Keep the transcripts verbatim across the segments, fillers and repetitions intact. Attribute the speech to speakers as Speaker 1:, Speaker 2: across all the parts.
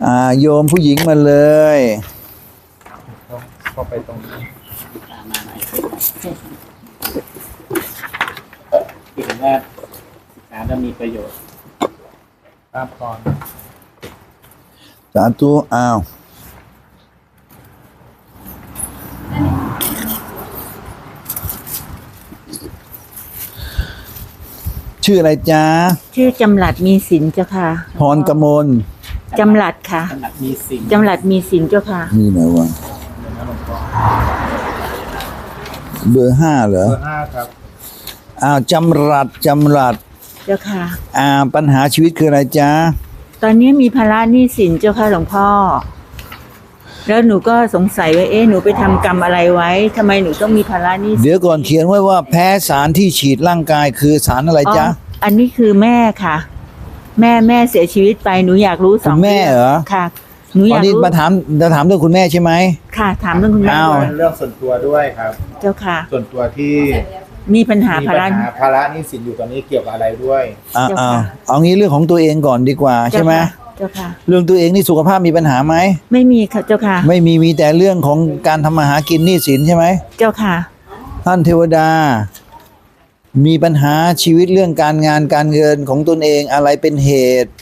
Speaker 1: อ่าโยมผู้หญิงมาเลย
Speaker 2: เข้าไปตรงนี้
Speaker 3: ตามมาหน่อยคิดว่าศึกษาจะมีประโยชน์
Speaker 2: ตามก่อน
Speaker 1: สาธุอ้าวชื่ออะไรจ๊ะ
Speaker 4: ชื่อจำหลัดมีสินเจ้าค่ะ
Speaker 1: พรกมล
Speaker 4: จำหลัดค่ะ
Speaker 3: จำหลัดมีสิน
Speaker 4: จำหลัดมีสินเจ้าค่ะ
Speaker 1: นี่ไหนวะเบอร์ห้าเหรอ
Speaker 2: เบอร์ห้าครับ
Speaker 1: อ้าวจำรัดจำรัด
Speaker 4: เจ้าค่ะ
Speaker 1: อ่าปัญหาชีวิตคืออะไรจ๊ะ
Speaker 4: ตอนนี้มีภาระหนี้สินเจ้าค่ะหลวงพ่อแล้วหนูก็สงสัยว่าเอ๊ะหนูไปทำกรรมอะไรไว้ทำไมหนูต้องมีภาระหนี้
Speaker 1: เดี๋ยวก่อนเขียนไว้ว่าแพ้สารที่ฉีดร่างกายคือสารอะไรจ๊ะ
Speaker 4: อันนี้คือแม่ค่ะแม่แม่เสียชีวิตไปหนูอยากรู้สอง
Speaker 1: แม่เหรอ
Speaker 4: ค่ะหนูอยากรู้
Speaker 1: มาถามจะถามเรื่องคุณแม่ใช่ไหม
Speaker 4: ค่ะถามเรื่องคุณแม่
Speaker 2: เรื่องส่วนตัวด้วยครับ
Speaker 4: เจ้าค่ะ
Speaker 2: ส่วนตัวที่
Speaker 4: มีปัญหาภาระ
Speaker 2: ภาระหนี้สินอยู่ตอนนี้เกี่ยวกับอะไรด้วย
Speaker 1: อ่าอ่าเอางี้เรื่องของตัวเองก่อนดีกว่าใช่ไหม
Speaker 4: เจ้าค่ะ
Speaker 1: เรื่องตัวเองนี่สุขภาพมีปัญหาไหม
Speaker 4: ไม่มีค่ะเจ้าค่ะ
Speaker 1: ไม่มีมีแต่เรื่องของการทำมาหากินหนี้สินใช่ไหม
Speaker 4: เจ้าค่ะ
Speaker 1: ท่านเทวดามีปัญหาชีวิตเรื่องการงานการเงินของตนเองอะไรเป็นเหตุ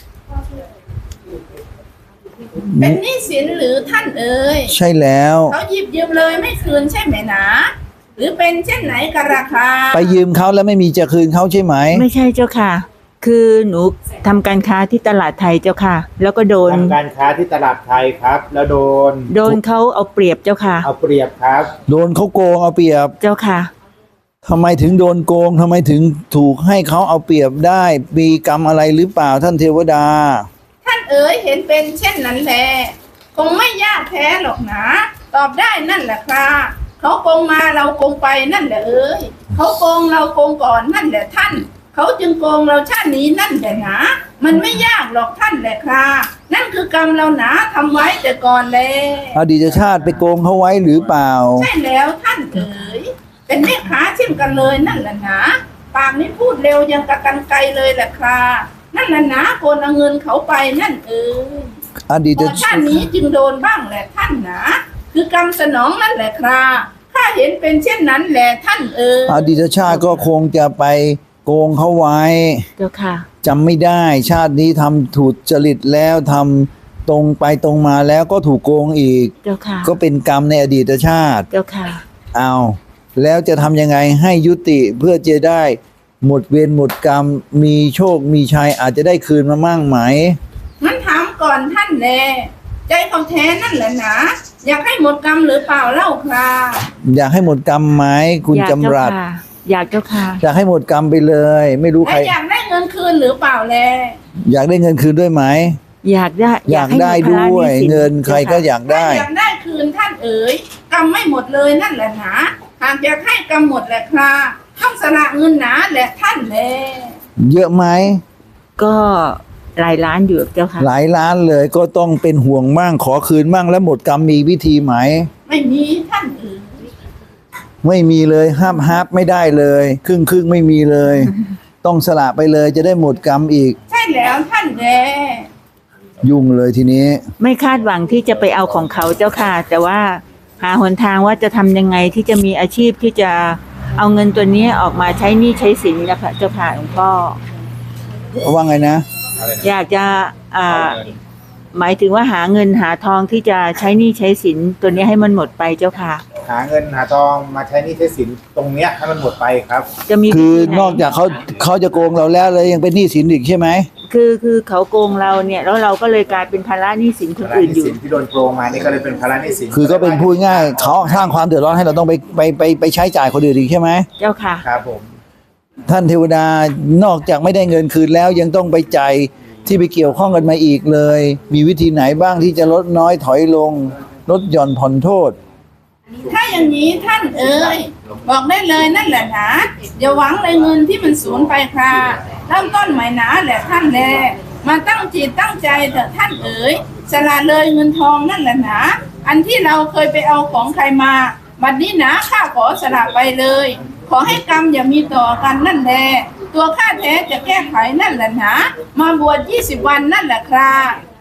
Speaker 5: เป็นหนี้สินหรือท่านเอ่ย
Speaker 1: ใช่แล้ว
Speaker 5: เขาหยิบยืมเลยไม่คืนใช่ไหมนะหรือเป็นเช่นไหนกันราคา
Speaker 1: ไปยืมเขาแล้วไม่มีจะคืนเขาใช่ไหม
Speaker 4: ไม่ใช่เจ้าค่ะคือหนูทำการค้าที่ตลาดไทยเจ้าค่ะแล้วก็โดน
Speaker 2: ทำการค้าที่ตลาดไทยครับแล้วโดน
Speaker 4: โดนเขาเอาเปรียบเจ้าค่ะ
Speaker 2: เอาเปรียบครับ
Speaker 1: โดนเขาโกงเอาเปรียบ
Speaker 4: เจ้าค่ะ
Speaker 1: ทำไมถึงโดนโกงทำไมถึงถูกให้เขาเอาเปรียบได้มีกรรมอะไรหรือเปล่าท่านเทวดา
Speaker 5: ท่านเอ๋ยเห็นเป็นเช่นนั้นแหละคงไม่ยากแท้หรอกนะตอบได้นั่นแหละครับเขาโกงมาเราโกงไปนั่นแหละเอ๋ยเขาโกงเราโกงก่อนนั่นแหละท่านเขาจึงโกงเราชาตินี้นั่นแหละนะมันไม่ยากหรอกท่านแหละครับนั่นคือกรรมเราหนาทำไว้แต่ก่อนแล้ว
Speaker 1: อดีตชาติไปโกงเขาไว้หรือเปล่า
Speaker 5: ใช่แล้วท่านเอ๋ยเป็นแม่ค้าเช่นกันเลยนั่นแหละนะปากนี้พูดเร็วยังกระกันไกลเลยแหละครับนั่นแหละนะโกนเอาเงินเขาไปนั่นเอ๋ย
Speaker 1: อดีต
Speaker 5: ชาตินี้จึงโดนบ้างแหละท่านนะคือกรรมสนองนั่นแหละครับถ้าเห็นเป็นเช่นนั้นแหละท่านเอ๋ย
Speaker 1: อดีตชาติก็คงจะไปโกงเขาไว้
Speaker 4: เจ้าค่ะ
Speaker 1: จำไม่ได้ชาตินี้ทำถูกจริตแล้วทำตรงไปตรงมาแล้วก็ถูกโกงอีก
Speaker 4: เจ้าค่ะ
Speaker 1: ก็เป็นกรรมในอดีตชาติ
Speaker 4: เจ้าค่ะ
Speaker 1: เอาแล้วจะทำยังไงให้ยุติเพื่อจะได้หมดเวรหมดกรรมมีโชคมีชัยอาจจะได้คืนมามั่งไหม
Speaker 5: งั้นถามก่อนท่านแน่ใจเขาแท้นั่นแหละนะอยากให้หมดกรรมหรือเปล่าเล่าครับ
Speaker 1: อยากให้หมดกรรมไหมคุณจำรัด
Speaker 4: อยากเจ้าค่ะ
Speaker 1: อยากให้หมดกรรมไปเลยไม่รู้ใคร
Speaker 5: อยากได้เงินคืนหรือเปล่าแล
Speaker 1: อยากได้เงินคืนด้วยไหม
Speaker 4: อยากได้
Speaker 1: อยากได้ด้วยเงินใครก็อยากได้
Speaker 5: อยากได้คืนท่านเอ๋ยกรรมไม่หมดเลยนั่นแหละนะหากอยากให้กรรมหมดแหละครับต้องสละเงินหนาแหละท่านแล
Speaker 1: เยอะไหม
Speaker 4: ก็หลายล้านอยู่เจ้าค่ะ
Speaker 1: หลายล้านเลยก็ต้องเป็นห่วงมั่งขอคืนมั่งแล้วหมดกรรมมีวิธีไหม
Speaker 5: ไม่มีท่านเอ๋ย
Speaker 1: ไม่มีเลยห้ามฮับไม่ได้เลยครึ่งครึ่งไม่มีเลย ต้องสละไปเลยจะได้หมดกรรมอีก
Speaker 5: ใช่แล้วท่านแล
Speaker 1: ยุ่งเลยทีนี้
Speaker 4: ไม่คาดหวังที่จะไปเอาของเขาเจ้าค่ะแต่ว่าหาหนทางว่าจะทำยังไงที่จะมีอาชีพที่จะเอาเงินตัวนี้ออกมาใช้หนี้ใช้สินนะคะเจ้าค่ะหลวงพ่อ
Speaker 1: ว่าไงนะ
Speaker 4: อยากจะอ่าหมายถึงว่าหาเงินหาทองที่จะใช้หนี้ใช้สินตัวนี้ให้มันหมดไปเจ้าค่ะ
Speaker 2: หาเงินหาทองมาใช้หนี้ใช้สินตรงเนี้ยให้มันหมดไปครับ
Speaker 4: จะมี
Speaker 1: คือนอกจากเขาเขาจะโกงเราแล้วเลยยังเป็นหนี้สินอีกใช่ไหม
Speaker 4: คือคือเขาโกงเราเนี่ยแล้วเราก็เลยกลายเป็นภาระหนี้สินคนอื่นอยู่
Speaker 2: ที่โดนโกงมานี่ก็เลยเป็นภาระหนี้สิน
Speaker 1: คือก็เป็นพูดง่ายเขาสร้างความเดือดร้อนให้เราต้องไปไปไปไปใช้จ่ายคนอื่นอีกใช่ไหม
Speaker 4: เจ้าค่ะ
Speaker 2: ครับผม
Speaker 1: ท่านเทวดานอกจากไม่ได้เงินคืนแล้วยังต้องไปจ่ายที่ไปเกี่ยวข้องกันมาอีกเลยมีวิธีไหนบ้างที่จะลดน้อยถอยลงลดหย่อนผ่อนโทษ
Speaker 5: ถ้าอย่างนี้ท่านเอ๋ยบอกได้เลยนั่นแหละนะอย่าหวังเลยเงินที่มันสูญไปค่ะเริ่มต้นใหม่นะแหละท่านแลมาตั้งจิตตั้งใจเถอะท่านเอ๋ยสละเลยเงินทองนั่นแหละนะอันที่เราเคยไปเอาของใครมาบัดนี้นะข้าขอสละไปเลยขอให้กรรมอย่ามีต่อกันนั่นแหละตัวข้าแท้จะแก้ไขนั่นแหละนะมาบวชยี่สิบวันนั่นแหละครับให้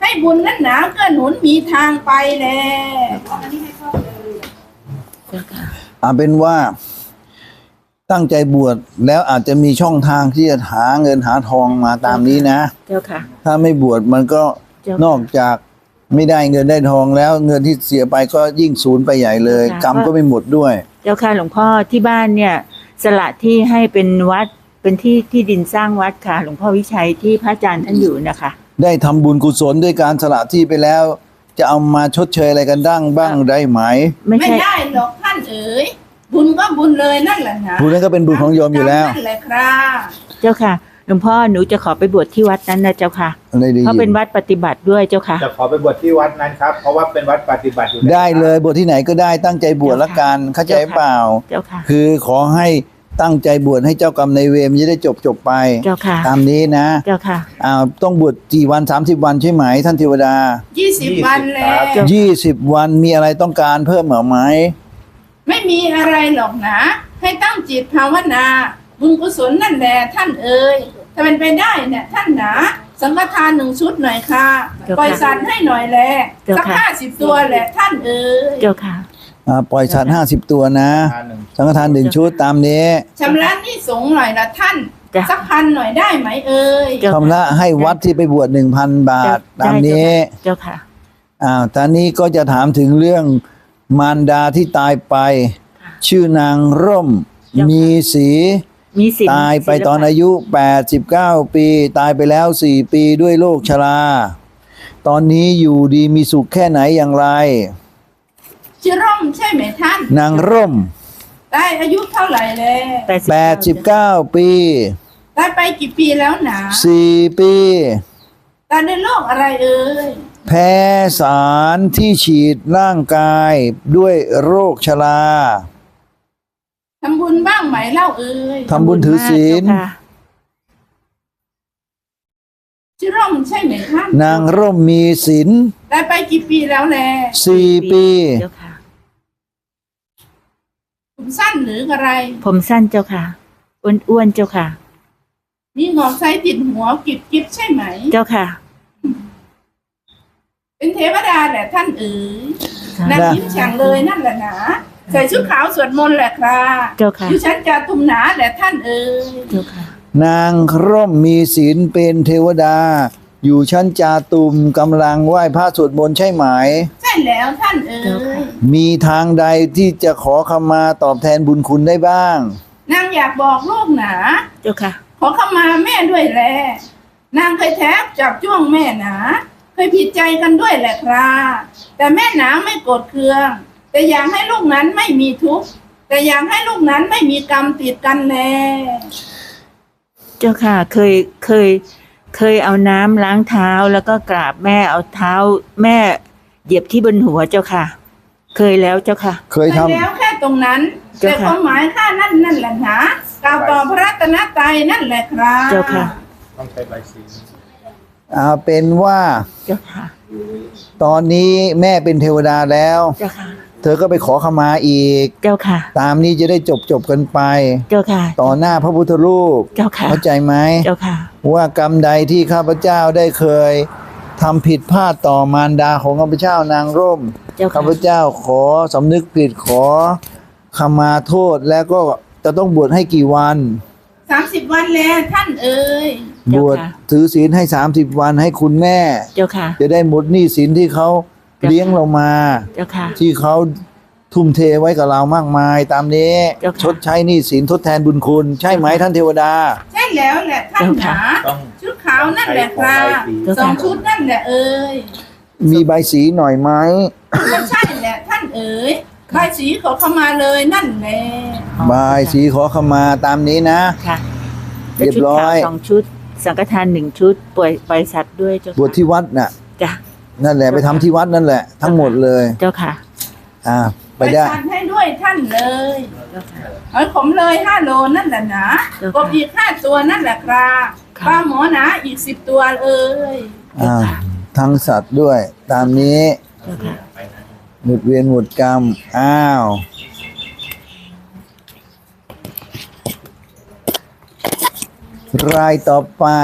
Speaker 5: ให้บุญนั้นหนาเกื้อหนุนมีทางไปแล
Speaker 4: เจ้าค่ะ
Speaker 1: เอาเป็นว่าตั้งใจบวชแล้วอาจจะมีช่องทางที่จะหาเงินหาทองมาตามนี้นะ
Speaker 4: เจ้าค่ะ
Speaker 1: ถ้าไม่บวชมันก็
Speaker 4: เจ้าค่ะ
Speaker 1: นอกจากไม่ได้เงินได้ทองแล้วเงินที่เสียไปก็ยิ่งสูญไปใหญ่เลย
Speaker 4: ค่ะ
Speaker 1: กรรมก็ไม่หมดด้วย
Speaker 4: เจ้าค่ะหลวงพ่อที่บ้านเนี่ยสละที่ให้เป็นวัดเป็นที่ที่ดินสร้างวัดค่ะ หลวงพ่อวิชัยที่พระอาจารย์ท่านอยู่นะคะ
Speaker 1: ได้ทำบุญกุศลด้วยการสละที่ไปแล้ว จะเอามาชดเชยอะไรกันดั้งบ้างได้ไหม
Speaker 4: ไม่
Speaker 5: ไม่
Speaker 4: ใช่
Speaker 5: ได้หรอกท่านเอ๋ยบุญก็บุญเลยนั่นแหละนะ
Speaker 1: บุญนั้นก็เป็นบุญของโยมอยู่แล้ว
Speaker 5: นั่นแหละครับ
Speaker 4: เจ้าค่ะหลวงพ่อหนูจะขอไปบวชที่วัดนั้นนะเจ้าค่ะ
Speaker 1: อะไรดี
Speaker 4: เพราะเป็นวัดปฏิบัติด้วยเจ้าค่ะ
Speaker 2: จะขอไปบวชที่วัดนั้นครับ เพราะว่าเป็นวัดปฏิบัติอยู่แล้ว
Speaker 1: ได้เลยบวชที่ไหนก็ได้ตั้งใจบวชละกันเข้าใจเปล่า
Speaker 4: เจ้าค่ะ
Speaker 1: คือขอให้ตั้งใจบวชให้เจ้ากรรมในายเวรมันจะได้จบจบไป
Speaker 4: เจ้าค่ะ
Speaker 1: ตามนี้นะ
Speaker 4: เจ้าค่ะ
Speaker 1: อ้าวต้องบวชกี่วันสามสิบวันใช่ไหมท่านเทวดา
Speaker 5: ยี่สิบวันแล้ว
Speaker 1: ยี่สิบวันมีอะไรต้องการเพิ่มเหรือไหม
Speaker 5: ไม่มีอะไรหรอกนะ ให้ตั้งจิตภาวนาบุญกุศลนั่นแหละท่านเอ๋ยถ้าเป็นไปได้เนี่ยท่านหนาสังฆทานหนึ่งชุดหน่อยค่ะ
Speaker 4: เจ้าค่ะ
Speaker 5: ปล่อยสัตว์ให้หน่อยแล
Speaker 4: เจ้า
Speaker 5: สัก
Speaker 4: ค่ะ
Speaker 5: ห้าสิบตัวแหละท่านเอ๋ย
Speaker 4: เจ้าค่ะ
Speaker 1: อ่าปล่อยสัตว์ห้าสิบตัวนะ
Speaker 2: ทานหนึ่ง
Speaker 1: สังฆทานหนึ่งชุดตามนี้
Speaker 5: ชำระหนี้สงฆ์หน่อยละท่าน
Speaker 4: จ้ะ
Speaker 5: สักพันหน่อยได้ไหมเอ่ย
Speaker 4: เจ้า
Speaker 1: ชำระให้วัดที่ไปบวชหนึ่งพันบาท
Speaker 4: ได้
Speaker 1: ตามนี้
Speaker 4: เจ้าค่ะ
Speaker 1: อ้าวตอนนี้ก็จะถามถึงเรื่องมารดาที่ตายไป ชื่อนางร่ม
Speaker 4: เจ้าค่ะ
Speaker 1: มีสี
Speaker 4: มีสิน
Speaker 1: ตายไป
Speaker 4: ศิลปะ
Speaker 1: ตอนอายุแปดสิบเก้าปี ตายไปแล้วสี่ปีด้วยโรคชรา ตอนนี้อยู่ดีมีสุขแค่ไหนอย่างไร
Speaker 5: ชื่อร่มใช่ไหมท่าน
Speaker 1: นางร่ม
Speaker 5: ตายอายุเท่าไหร่เลย
Speaker 1: แปดสิบเก้าปี
Speaker 5: ตายไปกี่ปีแล้วหนา
Speaker 1: สี่ปี
Speaker 5: ตายในโรคอะไรเอ่ย
Speaker 1: แพ้สารที่ฉีดร่างกายด้วยโรคชรา
Speaker 5: ทำบุญบ้างไหมเล่าเอ่ย
Speaker 1: ทำบุญถือศีล
Speaker 4: เจ้าค่ะ
Speaker 5: ชื่อร่มใช่ไหมท่าน
Speaker 1: นางร่มมีศีล
Speaker 5: ตายไปกี่ปีแล้วแล
Speaker 1: สี่ปี
Speaker 4: เจ้าค่ะ
Speaker 5: ผมสั้นหรืออะไร
Speaker 4: ผมสั้นเจ้าค่ะอ้วนๆเจ้าค่ะ
Speaker 5: มีงอกไซติดหัวกิบกิบใช่ไหม
Speaker 4: เจ้าค่ะ
Speaker 5: เป็นเทวดาแหละท่านเอ๋ย
Speaker 4: ค่ะ
Speaker 5: นางยิ้มแฉ่งเลยนั่นแหละนะใส่ชุดขาวสวดมนต์แหละครับ
Speaker 4: เจ้าค่ะ
Speaker 5: อยู่ชั้นจาตุมหนาแหละท่านเอ๋ย
Speaker 4: เจ้าค่ะ
Speaker 1: นางร่มมีศีลเป็นเทวดา อยู่ชั้นจาตุมกำลังไหว้พระสวดมนต์ใช่ไหม
Speaker 5: ใช่แล้วท่านเอ๋
Speaker 4: เจ้าค่ะ
Speaker 5: ย
Speaker 1: มีทางใดที่จะขอขมาตอบแทนบุญคุณได้บ้าง
Speaker 5: นางอยากบอกลูกหนา
Speaker 4: เจ้าค่ะ
Speaker 5: ขอเข้ามาแม่ด้วยแลนางเคยแทบจับจ้วงแม่หนาเคยผิดใจกันด้วยแหละครับแต่แม่หนาไม่โกรธเคือง แต่อยากให้ลูกนั้นไม่มีทุกข์แต่อยากให้ลูกนั้นไม่มีกรรมติดกันแล
Speaker 4: เจ้าค่ะ เคยเคย เคยเอาน้ำล้างเท้าแล้วก็กราบแม่เอาเท้าแม่เหยียบที่บนหัวเจ้าค่ะ เคยแล้วเจ้าค่ะ
Speaker 1: เคย
Speaker 5: ไป
Speaker 1: ทำ
Speaker 5: แล้วแค่ตรงนั้น
Speaker 4: เจ้า
Speaker 5: แต่
Speaker 4: ค่ะ
Speaker 5: ความหมายข้านั่นนั่นแหละนะกล่าวต่อพระรัตนตรัยนั่นแหละครับ
Speaker 4: เจ้าค่ะ
Speaker 2: ต้องใช้ใบสี
Speaker 1: เอาเป็นว่า
Speaker 4: เจ้าค่ะ
Speaker 1: ตอนนี้แม่เป็นเทวดาแล้ว
Speaker 4: เจ้าค่ะ
Speaker 1: เธอก็ไปขอขมาอีก
Speaker 4: เจ้าค่ะ
Speaker 1: ตามนี้จะได้จบจบกันไป
Speaker 4: เจ้าค่ะ
Speaker 1: ต่อหน้าพระพุทธรูป
Speaker 4: เจ้าค่ะ
Speaker 1: เข้าใจไหม
Speaker 4: เจ้าค่ะ
Speaker 1: ว่ากรรมใดที่ข้าพเจ้าได้เคยทำผิดพลาดต่อมารดาของข้าพเจ้านางร่ม
Speaker 4: เจ้าค่ะ
Speaker 1: ข้าพเจ้าขอสำนึกผิดขอขมาโทษแล้วก็จะต้องบวชให้กี่วัน
Speaker 5: สามสิบวันแล้วท่านเอ๋ย
Speaker 1: บวชถือศีลให้สามสิบวันให้คุณแม่
Speaker 4: เจ้าค่ะ
Speaker 1: จะได้หมดหนี้สินที่เขาเลี้ยงเรามา
Speaker 4: เจ้าค่ะ
Speaker 1: ที่เขาทุ่มเทไว้กับเรามากมาย ตามนี้
Speaker 4: เจ้าค่ะ
Speaker 1: ชดใช้หนี้สินทดแทนบุญคุณ ใช่ไหมท่านเทวดา
Speaker 5: ใช่แล้วแหละท่านหนา
Speaker 2: ต้อง
Speaker 5: ชุดขาวนั่นแหละครับ
Speaker 4: เจ้า
Speaker 5: สอง
Speaker 4: ค่ะ
Speaker 5: ชุดนั่นแหละเอ๋ย
Speaker 1: มีใบสีหน่อยไหม
Speaker 5: ก็ใช่แหละท่านเอ๋ยใบสีขอเข้ามาเลยนั่นแหละ
Speaker 1: ใบสีขอขมาตามนี้นะ
Speaker 4: ค่ะ
Speaker 1: เรียบร้อย
Speaker 4: ชุดขาวสองชุด สังฆทานหนึ่งชุดปล่อยปล่อยสัตว์ด้วยเจ้าค่ะ
Speaker 1: บวชที่วัดน่ะ
Speaker 4: จ้ะ
Speaker 1: นั่นแหละไปทำที่วัดนั่นแหละ ทั้งหมดเลย
Speaker 4: เจ้าค่ะ
Speaker 1: อ่าไปได้
Speaker 5: ทานให้ด้วยท่านเลย
Speaker 4: เจ้าค่ะ
Speaker 5: เอาขมเลยห้าโลนั่นแหละนะ
Speaker 4: เจ้าค่ะ
Speaker 5: กบอีกห้าตัวนั่นแหละครับ
Speaker 4: ค่ะ
Speaker 5: ปลาหมอหนาอีกสิบตัวเอ้ย
Speaker 1: อ่าทั้งสัตว์ด้วย ตามนี้
Speaker 4: เจ้าค่ะ
Speaker 1: หมดเวียนหมดกรรม อ้าว รายต่อไป